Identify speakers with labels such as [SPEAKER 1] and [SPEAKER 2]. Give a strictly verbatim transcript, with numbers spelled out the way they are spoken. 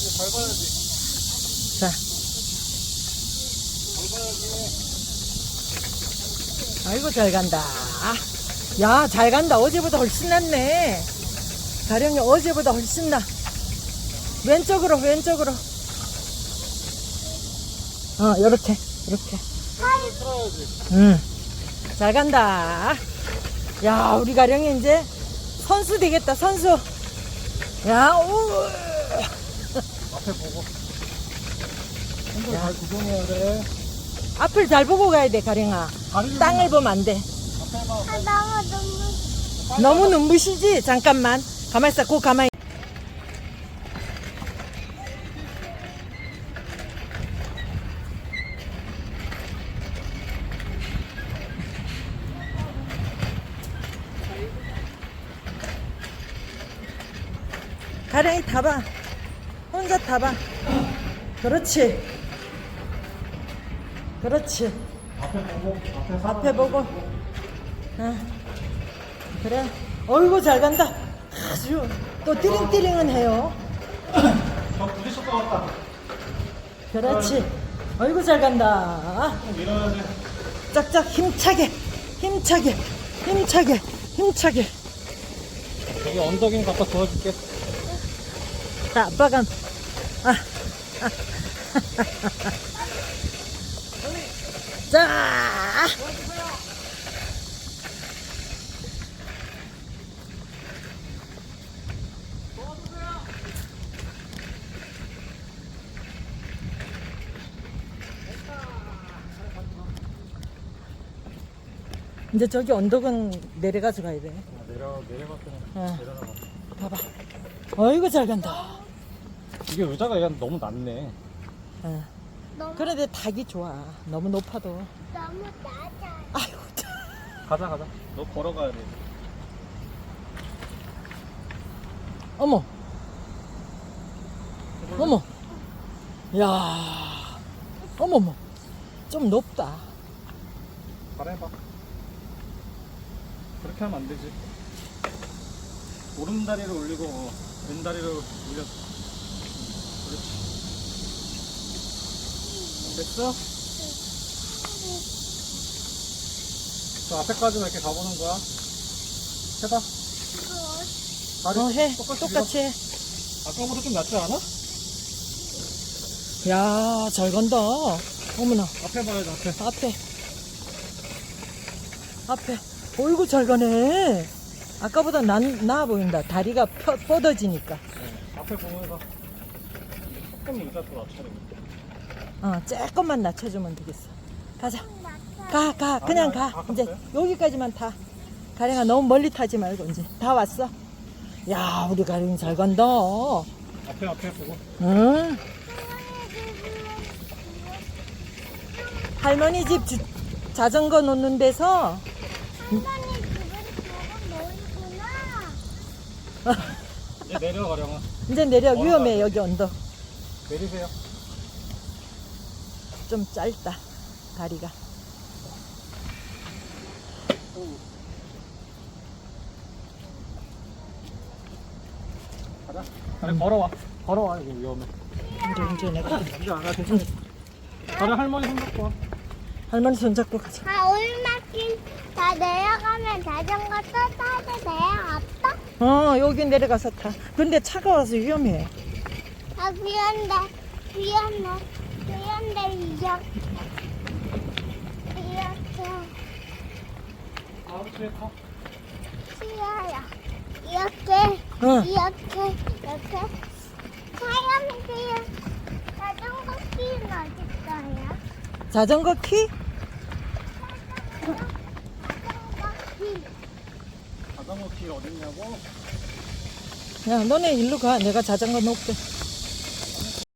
[SPEAKER 1] 밟아야지, 밟아야지.
[SPEAKER 2] 자. 아이고, 잘 간다. 야, 잘 간다. 어제보다 훨씬 낫네. 가령이 어제보다 훨씬 나. 왼쪽으로, 왼쪽으로. 어, 요렇게, 요렇게.
[SPEAKER 1] 손을 틀어야지.
[SPEAKER 2] 응. 잘 간다. 야, 우리 가령이 이제 선수 되겠다, 선수. 야, 오.
[SPEAKER 1] 앞에 보고. 손들 잘 구경해야 돼.
[SPEAKER 2] 앞을 잘 보고 가야 돼, 가령아.
[SPEAKER 1] 다리를
[SPEAKER 2] 땅을 보면 안 돼.
[SPEAKER 1] 앞에 봐.
[SPEAKER 3] 아, 너무 너무
[SPEAKER 2] 너무 눈부시지? 잠깐만. 가만히 있어, 고 가만히. 가령이 타봐. 혼자 타봐. 그렇지. 그렇지.
[SPEAKER 1] 앞에 보고. 앞에
[SPEAKER 2] 앞에 보고. 어. 그래. 어이구, 잘 간다. 아주. 또 띠링띠링은 해요.
[SPEAKER 1] 저 부딪힐 것 같다.
[SPEAKER 2] 그렇지. 어이구, 잘 간다.
[SPEAKER 1] 좀 밀어야 돼.
[SPEAKER 2] 짝짝 힘차게. 힘차게. 힘차게. 힘차게.
[SPEAKER 1] 여기 언덕인 갖다 도와줄게.
[SPEAKER 2] 자, 아빠가. 아. 자. 이제 저기 언덕은 내려가서 가야 돼.
[SPEAKER 1] 아, 내려, 내려갔더니
[SPEAKER 2] 어.
[SPEAKER 1] 내려나가.
[SPEAKER 2] 봐봐. 어이구, 잘 간다.
[SPEAKER 1] 이게 의자가 얘가 너무 낮네.
[SPEAKER 2] 어.
[SPEAKER 3] 너무
[SPEAKER 2] 그런데 닭이 좋아. 너무 높아도.
[SPEAKER 3] 너무 낮아.
[SPEAKER 2] 아이고, 참.
[SPEAKER 1] 가자, 가자. 너 걸어가야 돼.
[SPEAKER 2] 어머. 어머. 야. 어머머. 좀 높다.
[SPEAKER 1] 잘해봐. 그렇게 하면 안 되지. 오른다리를 올리고 왼다리를 올려. 그렇지. 됐어? 저 앞에까지만 이렇게 가보는 거야. 해봐. 다리
[SPEAKER 2] 어, 해.
[SPEAKER 1] 똑같이
[SPEAKER 2] 똑같이 해.
[SPEAKER 1] 밀어. 아까보다 좀 낫지 않아?
[SPEAKER 2] 야, 잘 간다. 어머나.
[SPEAKER 1] 앞에 봐야지, 앞에.
[SPEAKER 2] 앞에. 앞에. 어이구, 잘 가네. 아까보다 나, 나아 보인다. 다리가 펴, 뻗어지니까.
[SPEAKER 1] 네. 앞에 보면서 조금 의자 더 낮춰야
[SPEAKER 2] 어, 조금만 낮춰주면 되겠어. 가자. 가, 가. 그냥
[SPEAKER 1] 아니, 아니,
[SPEAKER 2] 가.
[SPEAKER 1] 다
[SPEAKER 2] 이제
[SPEAKER 1] 갔어요?
[SPEAKER 2] 여기까지만 타. 가령아, 너무 멀리 타지 말고, 이제. 다 왔어. 야, 우리 가령이 잘 간다.
[SPEAKER 1] 앞에, 앞에 보고.
[SPEAKER 2] 응. 할머니 집 주- 자전거 놓는 데서
[SPEAKER 3] 할머니 그걸 보고 놀구나.
[SPEAKER 1] 이제 내려가려면.
[SPEAKER 2] 이제 내려.
[SPEAKER 1] 걸어가야
[SPEAKER 2] 위험해,
[SPEAKER 1] 돼.
[SPEAKER 2] 여기 언덕.
[SPEAKER 1] 내리세요.
[SPEAKER 2] 좀 짧다, 다리가.
[SPEAKER 1] 가자. 아니, 걸어와. 걸어와, 이거 위험해.
[SPEAKER 2] 이제, 이제 내가.
[SPEAKER 1] 이제 안 가, 괜찮아. 다리 할머니 손 잡고 와.
[SPEAKER 2] 할머니 손잡고 가자.
[SPEAKER 3] 아, 올라길 다 내려가면 자전거 또 타도 돼요, 아빠?
[SPEAKER 2] 어, 여기 내려가서 타. 근데 차가 와서 위험해.
[SPEAKER 3] 아, 귀한데, 귀한데, 귀한데, 이렇게, 이렇게,
[SPEAKER 1] 다음 주에 타.
[SPEAKER 3] 쉬어요. 이렇게,
[SPEAKER 2] 어.
[SPEAKER 3] 이렇게, 이렇게. 사람들 자전거 키는 어딨어요?
[SPEAKER 2] 자전거 키?
[SPEAKER 3] 자전거 키.
[SPEAKER 1] 자전거 길 어딨냐고?
[SPEAKER 2] 야, 너네 일로 가. 내가 자전거 놓을게.